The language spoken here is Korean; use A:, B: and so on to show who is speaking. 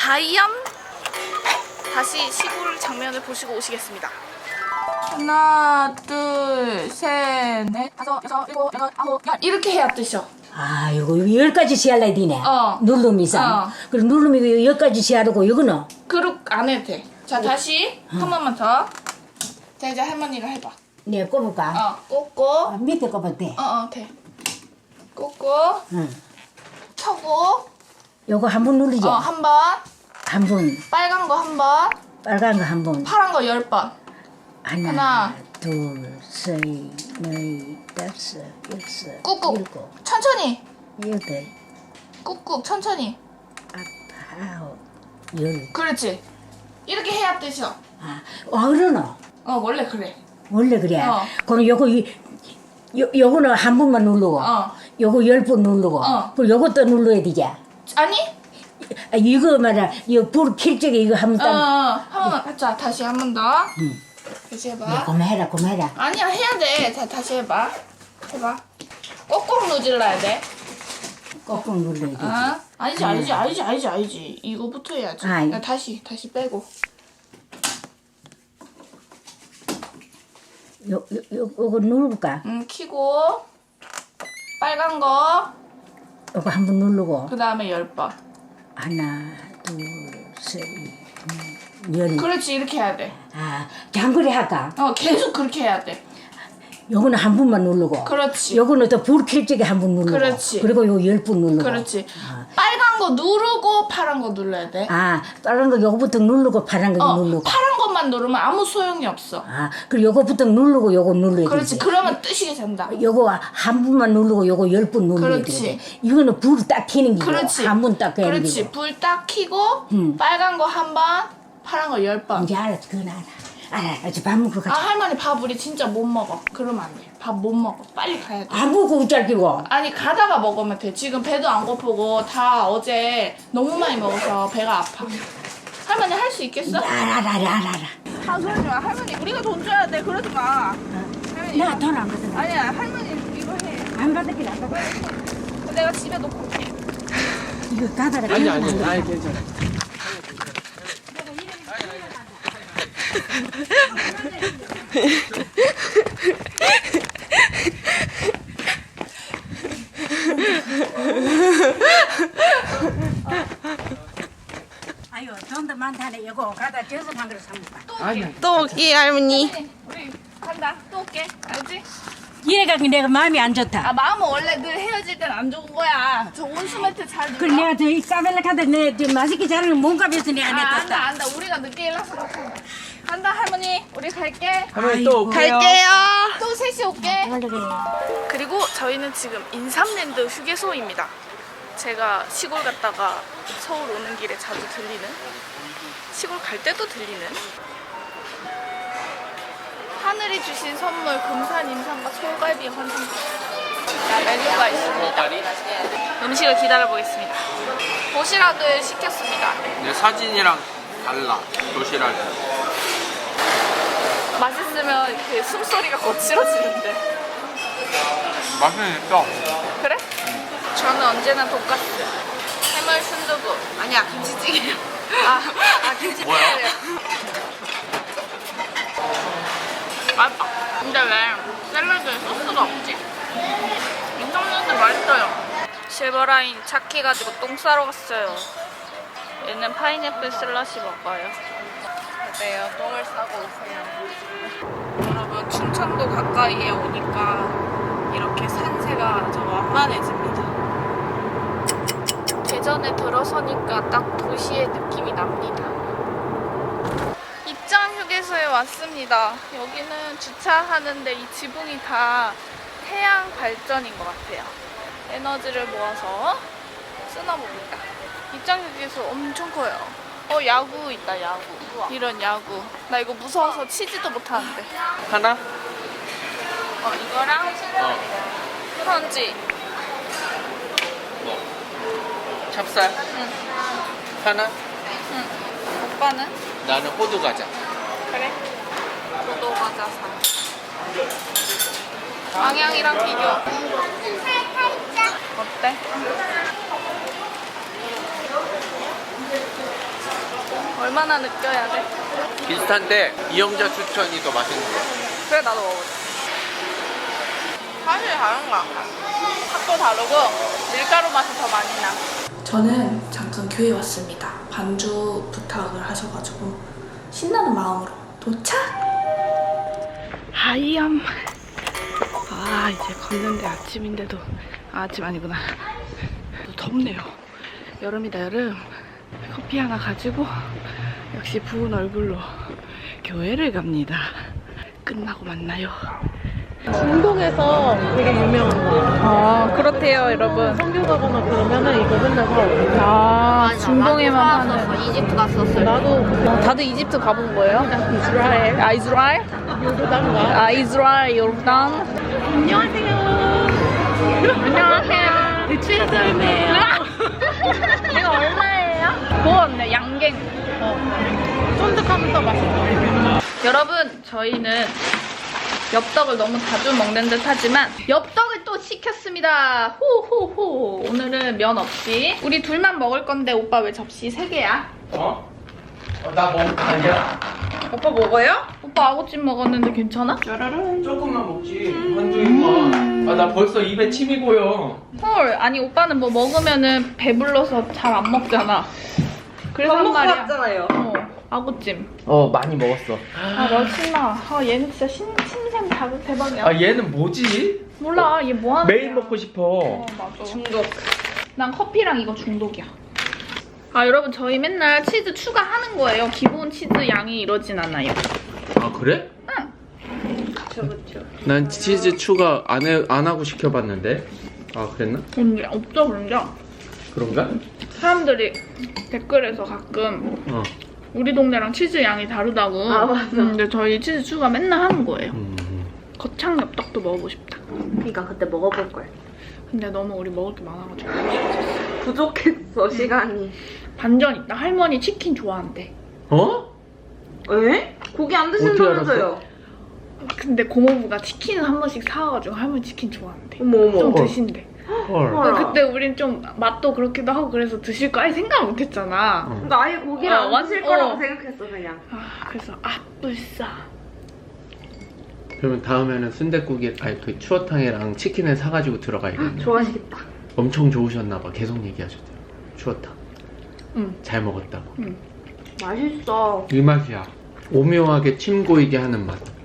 A: 과연 다시 시골 장면을 보시고 오시겠습니다. 하나, 둘, 셋, 넷, 다섯, 여섯, 일곱, 여덟, 아홉, 열 이렇게 해야 뜨셔.
B: 아, 이거 10가지 시할라 되네.
A: 어.
B: 누름 이상. 그리고 누름이 10가지 시하고 이거는?
A: 그룹 안 해도 돼. 자, 다시 한 번만 더. 자, 이제 할머니가 해봐.
B: 네, 꼽을까?
A: 꽂고.
B: 밑에 꼽을 때.
A: 돼. 꽂고.
B: 응.
A: 켜고.
B: 요거 한 번 누르지?
A: 한 번.
B: 한 번.
A: 빨간 거 한 번.
B: 빨간 거 한 번.
A: 파란 거 10번.
B: 하나, 둘, 셋, 넷, 다섯, 여섯,
A: 꾹꾹.
B: 일곱,
A: 천천히.
B: 여덟,
A: 꾹꾹 천천히.
B: 아홉, 열.
A: 그렇지. 이렇게 해야 뜨셔.
B: 아, 그러노?
A: 원래 그래.
B: 원래 그래.
A: 어.
B: 그럼 요거는 한 번만 누르고, 요거 10번 누르고, 그리고 요것도 눌러야 되지?
A: 아니?
B: 아, 이거 말이야, 이거 불 킬 적에 이거 한번 딱.
A: 한 번만. 자, 다시 한 번 더. 다시 해봐.
B: 야, 그만해라, 그만해라.
A: 아니야, 해야 돼. 자, 다시 해봐. 해봐. 꼭꼭 누질러야 돼.
B: 꼭꼭 눌러야 되지.
A: 아니지. 이거부터 해야지.
B: 아이.
A: 야, 다시 빼고.
B: 요거 누를까?
A: 키고. 빨간 거.
B: 요거 한 번 누르고.
A: 그 다음에 10번.
B: 하나, 둘, 셋, 넷, 열.
A: 그렇지, 이렇게 해야 돼.
B: 아, 장거리 할까?
A: 계속 그렇게 해야 돼.
B: 요거는 한 번만 누르고.
A: 그렇지.
B: 요거는 또 불 킬 적에 한 번 누르고.
A: 그렇지.
B: 그리고 요 10번 누르고.
A: 그렇지. 빨간 거 누르고 파란 거 눌러야 돼.
B: 아, 다른 거 요거부터 누르고 파란 거 누르고.
A: 파란 것만 누르면 아무 소용이 없어.
B: 아, 그리고 요거부터 누르고 요거 눌러야
A: 그렇지.
B: 되지.
A: 그러면 뜨시게 된다.
B: 요거 한 번만 누르고 요거 10번 눌러야
A: 그렇지.
B: 돼. 이거는 불 딱 켜는 기고.
A: 그렇지.
B: 한 번 딱 켜는
A: 그렇지.
B: 기고.
A: 불 딱 켜고 빨간 거 한 번, 파란 거 10번.
B: 이제 알았어. 그건 알아. 이제 밥 먹고 가자.
A: 할머니 밥 우리 진짜 못 먹어. 그러면 안 돼. 밥 못 먹어. 빨리 가야 돼.
B: 안 먹고 웃자기고.
A: 아니 가다가 먹으면 돼. 지금 배도 안 고프고 다 어제 너무 많이 먹어서 배가 아파. 할머니 할 수 있겠어?
B: 알아.
A: 그러지 마. 할머니 우리가 돈 줘야 돼. 그러지 마. 할머니
B: 내가 돈 안 받아.
A: 아니야. 할머니 이거 해.
B: 안 받을게, 안 받아.
A: 내가 집에 놓고 올게.
B: 이거 가다가.
C: 아니, 괜찮아.
B: 아유, 돈도 많다네. 이거 가다 저서 한 그릇 사먹자.
A: 또 올게 할머니. 우리 간다. 또 올게. 알지?
B: 이래가 내가 마음이 안 좋다.
A: 마음은 원래 늘 헤어질 땐 안 좋은 거야. 저 온수 매트 잘 눌러.
B: 그래 내가 저이 까벨라 가다 내 맛있게 자르는 몸값에서 내가 냈다.
A: 안다. 우리가 늦게 일어나서 못한다. 간다 할머니. 우리 갈게.
C: 할머니 또 올게요.
A: 또 셋이 올게.
B: 그래.
A: 그리고 저희는 지금 인삼랜드 휴게소입니다. 제가 시골 갔다가 서울 오는 길에 자주 들리는, 시골 갈 때도 들리는 하늘이 주신 선물 금산 임산과 소갈비 환상 메뉴가 있습니다. 음식을 기다려보겠습니다. 도시락을 시켰습니다.
C: 내 사진이랑 달라. 도시락이.
A: 맛있으면 이렇게 숨소리가 거칠어지는데.
C: 맛은 있어.
A: 그래? 저는 언제나 돈가스, 해물 순두부. 아니야, 김치찌개. 김치찌개래요. 맛있다. 근데 왜 샐러드에 소스가 없지? 인삼랜드 맛있어요. 실버라인 착해가지고 똥 싸러 갔어요. 얘는 파인애플 슬러시 먹어요. 어때요? 똥을 싸고 오세요. 여러분, 충청도 가까이에 오니까 이렇게 산세가 좀 완만해집니다. 대전에 들어서니까 딱 도시의 느낌이 납니다. 입장 휴게소에 왔습니다. 여기는 주차하는데 이 지붕이 다 태양 발전인 것 같아요. 에너지를 모아서 쓰나 봅니다. 입장 휴게소 엄청 커요. 야구 있다, 야구. 이런 야구. 나 이거 무서워서 치지도 못하는데.
C: 하나?
A: 이거랑 프런지.
C: 찹쌀?
A: 응.
C: 하나?
A: 응. 오빠는?
C: 나는 호두 과자.
A: 그래. 포도 과자 사. 방향이랑 비교. 어때? 얼마나 느껴야 돼?
C: 비슷한데 이영자 추천이 더 맛있는 거.
A: 그래 나도 먹어보자. 사실 다른가? 탑도 다르고 밀가루 맛이 더 많이 나. 저는 잠깐 교회 왔습니다. 반주 부탁을 하셔가지고 신나는 마음으로 도착! 하이엄. 아 이제 걷는데 아침인데도 아침 아니구나. 덥네요. 여름이다 여름. 커피 하나 가지고 역시 부은 얼굴로 교회를 갑니다. 끝나고 만나요.
D: 중동에서 되게 유명한 거야.
A: 아 그렇대요 여러분.
D: 성교 가거나 그러면은 이거 맨날 사오고.
A: 아 중동에만 파는.
E: 이집트 갔었어요.
D: 나도
A: 다들 이집트 가본 거예요?
D: 이스라엘,
A: 아 이스라엘?
D: 요르단가.
A: 아 이스라엘 요르단.
D: 안녕하세요.
A: 안녕하세요.
D: 대추의 삶이에요.
A: 이거 얼마예요? 구웠네 양갱.
D: 쫀득하면서 맛있어.
A: 여러분 저희는 엽떡을 너무 자주 먹는 듯 하지만 엽떡을 또 시켰습니다. 호호호. 오늘은 면 없이 우리 둘만 먹을 건데 오빠 왜 접시 3개야?
C: 어? 나 먹는 거 아니야?
A: 오빠 먹어요? 오빠 아구찜 먹었는데 괜찮아?
C: 조금만 먹지. 한두 입만. 아, 나 벌써 입에 침이 고여.
A: 헐 아니 오빠는 뭐 먹으면은 배불러서 잘 안 먹잖아. 그래서 한 말이야.
E: 왔잖아요.
A: 아구찜.
C: 많이 먹었어.
A: 아 멋있나. 아 얘는 진짜 신생 자극 대박이야.
C: 아, 얘는 뭐지?
A: 몰라 얘 뭐 하는
C: 매일
A: 거야.
C: 먹고 싶어.
A: 맞아.
E: 중독.
A: 난 커피랑 이거 중독이야. 아 여러분 저희 맨날 치즈 추가하는 거예요. 기본 치즈 양이 이러진 않아요.
C: 아, 그래?
E: 그쵸.
C: 난 치즈 추가 안 하고 시켜봤는데. 아, 그랬나?
A: 근데 없어 그런데
C: 그런가?
A: 사람들이 댓글에서 가끔
C: 어.
A: 우리 동네랑 치즈 양이 다르다고.
E: 아, 맞아.
A: 근데 저희 치즈 추가 맨날 하는 거예요.
C: 음.
A: 거창 엽떡도 먹어보고 싶다.
E: 그러니까 그때 먹어볼 걸.
A: 근데 너무 우리 먹을 게 많아가지고
E: 부족했어 시간이.
A: 반전 있다. 할머니 치킨 좋아한대.
C: 어?
E: 에? 고기 안 드신다면서요?
A: 근데 고모부가 치킨을 한 번씩 사와가지고 할머니 치킨 좋아한대.
E: 어머.
A: 좀 드신대.
C: 헐.
E: 헐.
A: 그때 우린 좀 맛도 그렇기도 하고 그래서 드실 거 아예 생각 못했잖아.
E: 그러니까 아예 고기를
A: 어,
E: 안 드실 거라고
A: 어.
E: 생각했어 그냥.
A: 아, 그래서 불싸.
C: 그러면 다음에는 순댓국에 그 추어탕이랑 치킨을 사가지고 들어가야겠네.
E: 좋아하시겠다.
C: 엄청 좋으셨나봐. 계속 얘기하셨대요. 추어탕.
A: 응.
C: 잘 먹었다고.
E: 맛있어.
C: 이 맛이야. 오묘하게 침 고이게 하는 맛.